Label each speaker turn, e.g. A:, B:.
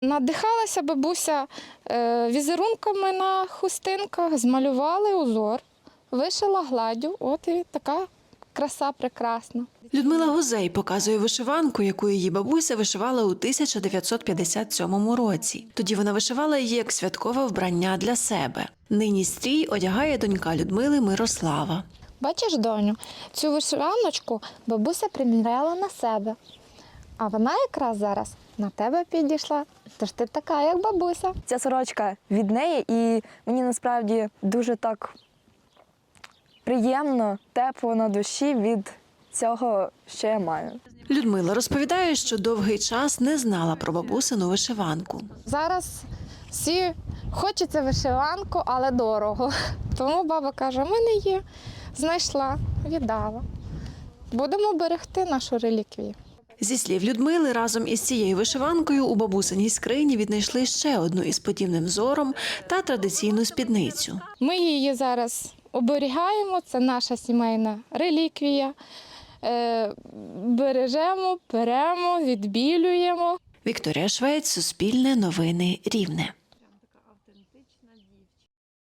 A: Надихалася бабуся візерунками на хустинках, змалювали узор, вишила гладдю, от і така краса прекрасна.
B: Людмила Гузей показує вишиванку, яку її бабуся вишивала у 1957 році. Тоді вона вишивала її як святкове вбрання для себе. Нині стрій одягає донька Людмили Мирослава.
A: Бачиш, доню, цю вишиваночку бабуся приміряла на себе, а вона якраз зараз на тебе підійшла, тож ти така, як бабуся.
C: Ця сорочка від неї, і мені насправді дуже так приємно, тепло на душі від цього, що я маю.
B: Людмила розповідає, що довгий час не знала про бабусину вишиванку.
A: Зараз всі хочеться вишиванку, але дорого. Тому баба каже, в мене є, знайшла, віддала. Будемо берегти нашу реліквію.
B: Зі слів Людмили, разом із цією вишиванкою у бабусиній скрині віднайшли ще одну із подібним взором та традиційну спідницю.
A: Ми її зараз оберігаємо, це наша сімейна реліквія. Бережемо, перемо, відбілюємо.
B: Вікторія Швець, Суспільне новини, Рівне.